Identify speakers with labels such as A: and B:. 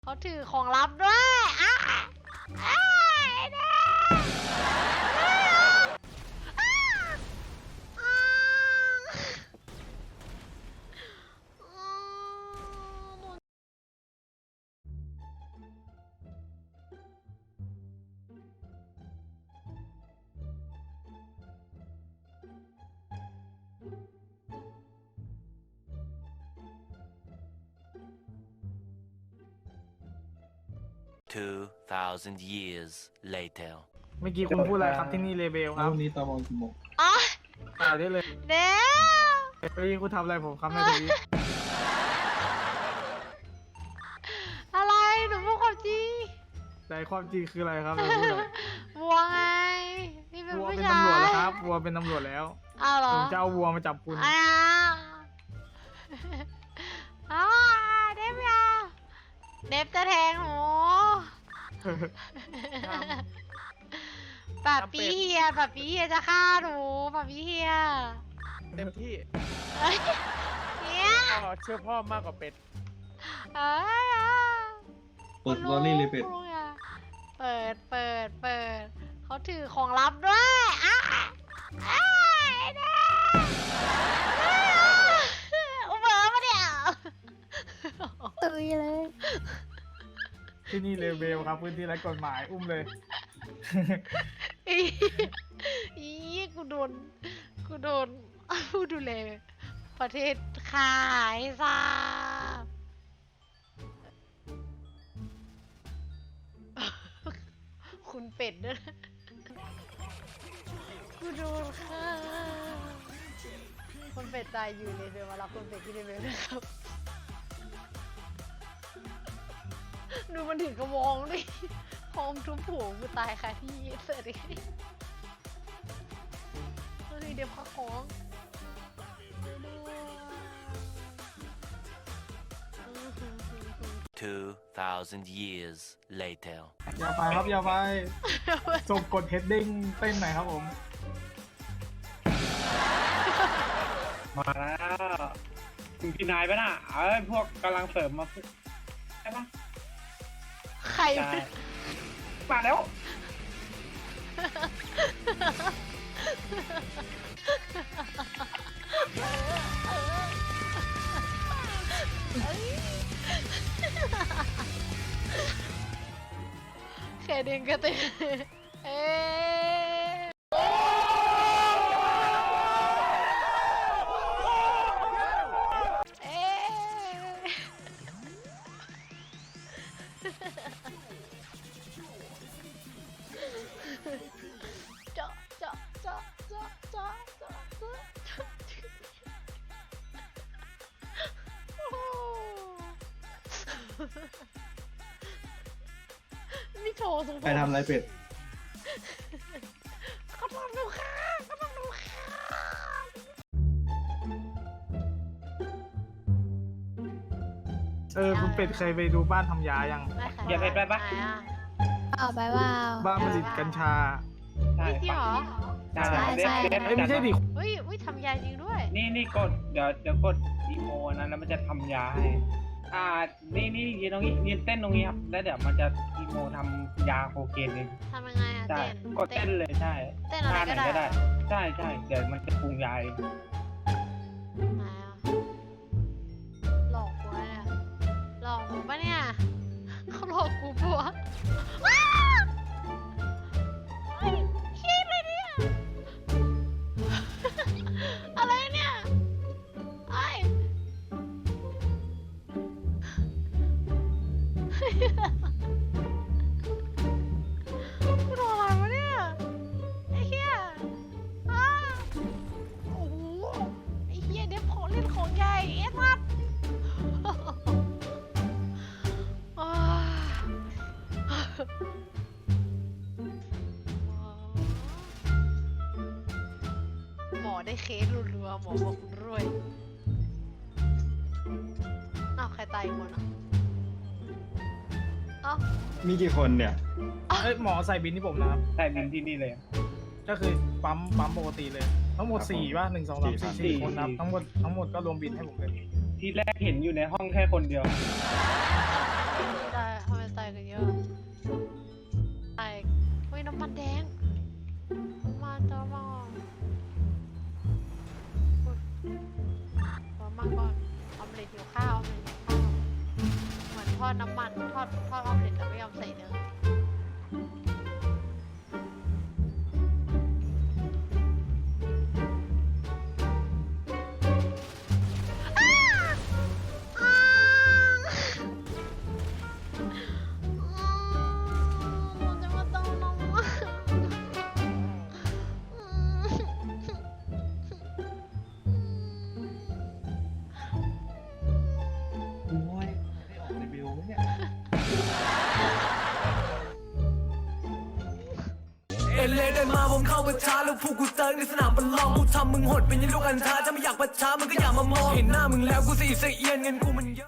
A: เขาถือของลับด้วยอ้าอ้าเด้
B: 2,000 years later
C: เมื่อกี้คุณพูดอะไรครับที่นี่เลเบลครับ
D: วันนี้ตอนมองกี่โมง
A: อ๋อ
C: อ่าได้เลย
A: เด้ว
C: เมื่อกี้คุณทำอะไรผมครับนาที
A: อะไรหนูพูดความจริง
C: แต่ความจริงคืออะไรครับเราพูดเลย
A: วัวไงนี่เป็น
C: วัว
A: ผู้
C: เป็น
A: ชาย
C: ตำรวจแล้วครับวัวเป็นตำรวจแล้ว
A: อ้าวเหรอ
C: ผมจะเอาวัวมาจับคุณ
A: อ้าวอ้าวเดฟยาเดฟจะแทงหนูป้าปีเฮียป้าปีเฮียจะฆ่าหนูป้าปีเฮีย
E: เต็มที่
A: เอ้ยเนี่ย
E: พ่อเชื่อพ่อมากกว่าเป็ด
A: เอ้ย
D: เปิดวอลลี่เลยเป็ด
A: คุณลุงอะเปิดเขาถือของลับด้วยอ้าอ้าเด้อุเบอร์มาเนี่ย
F: ตุยเลย
C: ที่นี่เลเบลครับพื้นที่ไร้กฎหมายอุ้มเลย
A: อีกูโดนผู้ดูแลประเทศขายซาคุณเป็ดด้วยนะกูโดนค่ะคุณเป็ดตายอยู่เลยเดี๋ยวมารับคุณเป็ดที่เลเวลนะครับ ดูมันถึงกระวองดิพร้อมทุบหัวกูตายค่ะที่เสิร์ตดิเฮ้ยเดี๋ยวพักของ
B: 2,000 years later
C: อย่าไปครับอย่าไปส่งกดเฮดดิ้งเต้นหน่อยครับผม
G: มาแล้วถึงที่นายปะน่ะเอ้ยพวกกำลังเสริมมาใช่ปะ
A: ใคร
G: ใช่มาแล้ว
A: แค่เด้งก็เต้นเอ๊ะเอ๊ะเจาะเจาะเจาะเจาะเจาะเจาะเจาะโอ้นี่โชว์สง
D: ใครทำอะไรเป็ด
A: เขาทำดูค่ะเขาทำดูค่ะ
C: คุณเป็ดเคยไปดูบ้านทำยายัง
G: อย่าไปปะ
A: ไหนอ่ะ
F: เอาไปว่า
C: บ้านผลิตกัญชา
G: ใช่
A: เฮ้ยจริงเหรอ
G: ใช่
F: ใช่
G: เด็ด
C: เอ้ยไม่ใช่ดิ
A: เฮ้ยอุ้ยทำยาจริงด้วย
G: นี่กดเดี๋ยวกดอีโมนะแล้วมันจะทำยาให้นี่ยืนตรงนี้ยืนเต้นตรงนี้ครับแล้วเดี๋ยวมันจะอีโมทำยาโคเคนเอง
A: ทำยังไงอ่ะ
G: ใช่
A: เต้น
G: กดเต้นเลยใช่
A: เต้นอะไรก็ได้
G: ท่าหนใช่เดี๋ยวมันจะปรุงยาเอง
A: ไหนอ่ะหลอกกูเนี่ยหลอกกูปะเนี่ยเขาหลอกกูปะวะอ้าวเฮ้ยคิดเลยเนี่ย อะไรเนี่ยไอ้กูโดนอะไรวะเนี่ยไอ้เหี้ยอ้าโอ้โหไอ้เหี้ยเด็กของเล่นของใหญ่เอ็ดมัดอ้าหมอได้เคสรัวๆหมอบอกคุณรวยอ้าวใครตายอีกคนอ่ะเอ้า
D: มีกี่คนเนี่ย
C: เอ้ยหมอใส่บินที่ผมนะครับ
G: ใช่บินที่นี่เลย
C: ก็คือปั๊มปกติเลย ทั้งหมด
D: ครับผม
C: 4 ป่ะ1 2 3 4
G: สี่
C: 4 คนครับทั้งหมดก็รวมบินให้ผมเลย
G: ที่แรกเห็นอยู่ในห้องแค่คนเดียว
A: ได้อดน้ำมันทอดออมเล็ตแล้วไม่ยอมใส่เนยจะมาต้องน้อง
D: โอ้ยได้ออกในบิลไหมเนี่ย
H: เอเลเดินมาผมเข้าประชาแล้วพวกกูเซิร์ฟในสนามบอลลองกูทำมึงหดเป็นยันลูกอันทาถ้าไม่อยากประชามึงก็อย่ามามองเห็นหน้ามึงแล้วกูสีเสียนเงินกูมันเยอะ